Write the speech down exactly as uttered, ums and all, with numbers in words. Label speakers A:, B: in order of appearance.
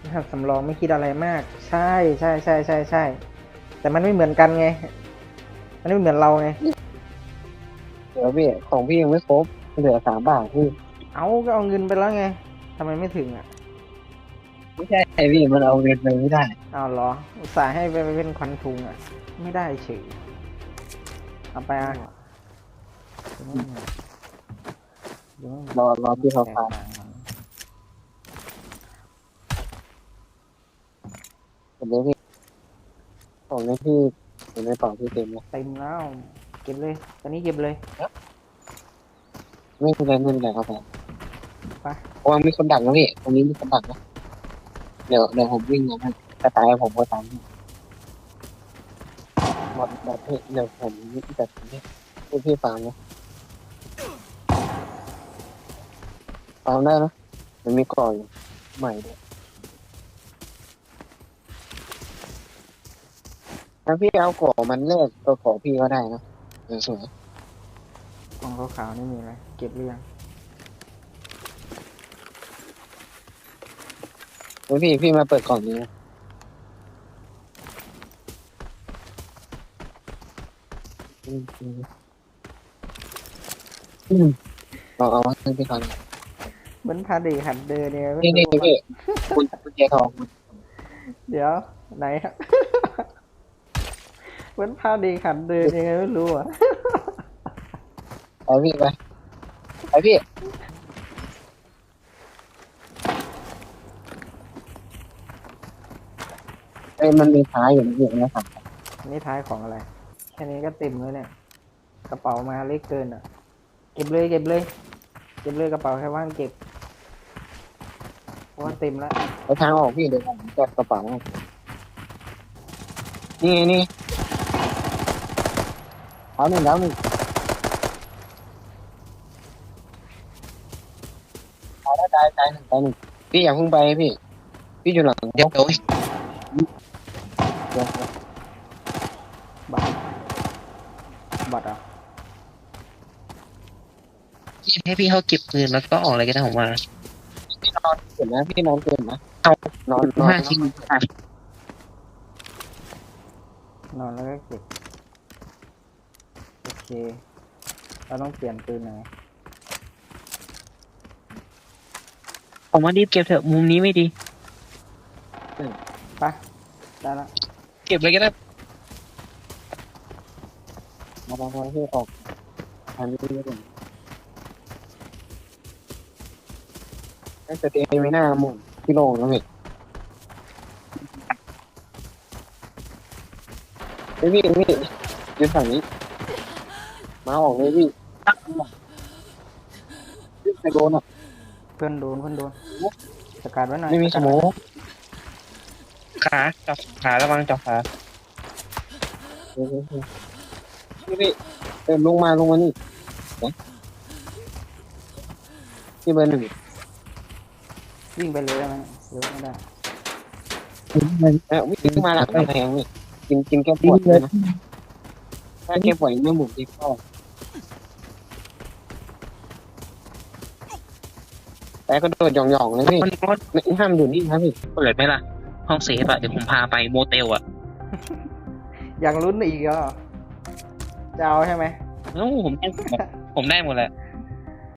A: หัดสำรองไม่คิดอะไรมาก ใช่ใช่ใช่ใช่ใช่แต่มันไม่เหมือนกันไงมันไม่เหมือนเราไง
B: เดี๋ยวพี่ของพี่ยังไม่ครบเหลือสามบาทพี่
A: เอาก็เอาเงินไปแล้วไงทำไมไม่ถึงอ่ะ
B: ไม่ใช่พี่มันเอาเงินไปไม่ได้
A: เอาเหรออุตส่าห์ให้ไปเป็นควันทุงอ่ะไม่ได้เฉยเอาไปอ่ะเดี๋ยว
B: รอรอพี่เขา
A: แตก
B: ฟัง
A: ต่างกัน
B: เดี๋ยวพี่ของในพี่เห็นในต่อพี่เต็มแล้ว
A: เต็มแล้วเก็บเลยตอนนี้เก็บเลย
B: ไม่เป็นไรไม่เป็นไรครับผม
A: ไป
B: เพราะว่ามีคนดักนะพี่ตรงนี้มีคนดักนะเดี๋ยวเดี๋ยวผมวิ่งนะถ้าตายผมก็ตามพี่หมดหมดพี่เดี๋ยวผมจัดพี่พี่พี่ฟังนะฟังได้นะมันมีก่อนใหม่ด้วยถ้าพี่เอาก่อมันเลิกตัวของพี่ก็ได้นะสวย
A: กล่องขาวๆนี่มีอะไรเก็บหรือยัง
B: แล้วพี่พี่มาเปิดกล่องนี้นะอืมอืมอืมเอาเอาให้พี่เขาเลย
A: เหมือนพาเด็กหัดเดินเนี่ยไม่
B: นี่นี่
A: รู้ว่า
B: พี่คุณคุณเจทอง
A: เดี๋ยวไหนครับ เหมือนพาเด็กหัดเดินยังไงไม่รู้อ่ะ
B: ไปพี่ไปไปพี่ไอ้ยมันมีท้ายอยู่นะพี่นะครับ
A: นี่ท้ายของอะไรแค่นี้ก็เต็มแล้วเนี่ยกระเป๋ามาเล็กเกินอ่ะเก็บเลยเก็บเลยเก็บเลยกระเป๋าแค่ว่างเก็บเพราะว่าเต็มแล้ว
B: ไปทางออกพี่เดี๋ยวผมจัดกระเป๋านี่ไงนี่เอาหนึ่งแล้วหนึ่งเอาได้ตายตายหนึ่งตายหนึ่งพี่อย่าเพิ่งไปพี่พี่อยู่หลังเดี๋ยวเดี๋ยวเดี๋ยว
A: บัตรบัตรอ่ะ
C: ให้พี่เขาเก็บปืนแล้วก็ออกอะไรก็ได้ผมมา
B: พี่นอนเกินนะพี่นอนเกินนะเอานอนนอน
C: ห้าชิ้นห้าน
A: อนแล้วก็เก็บโอเคเราต้องเปลี่ยนปืนไหน
C: ผมว่ารีบเก็บเถอะมุมนี้ไม่ดี
A: ไปได้ละ
C: เก็บเลยก็ได้
B: มาบางวันที่ออกทางนี้ไม่ได้ไอ้สเตย์ไม่น่าหมุนพี่โล่งแล้วพี่ไอ้พี่พี่ยืนฝั่งนี้มาออกเลยพี่พี่ไปโดนอ่ะ
A: เพื่อนโดนเพื่อนโดนสกัดไว้หน่อย
B: ไม่มีส
A: กัด
B: โม
A: ไว้
B: ก
C: ขาจับขาระวังจับขา
B: พี่พี่เดินลงมาลงมานี่ที่เบอร์หนึ่ง
A: วิ่งไปเลยได้ไหมหรือไม่ได้
B: เออวิ่งมาหลังกำแพงนี่กินกินแก้ปวดเลยนะถ้าแก้ปวดไม่หมุนที่เข้าแต่ก็โดดหย่องๆเลยพี่
C: มันก็
B: ไม่ห้ามอยู่นี่ครับพี่
C: เปิดไหมล่ะ ห้องเซฟอะเดี๋ยวผมพาไปโมเตลอะ
A: อยากลุ้นอีกเหรอจะเอาใช่ไหม
C: แล้วผมได้หมดผมได้หมดแหละ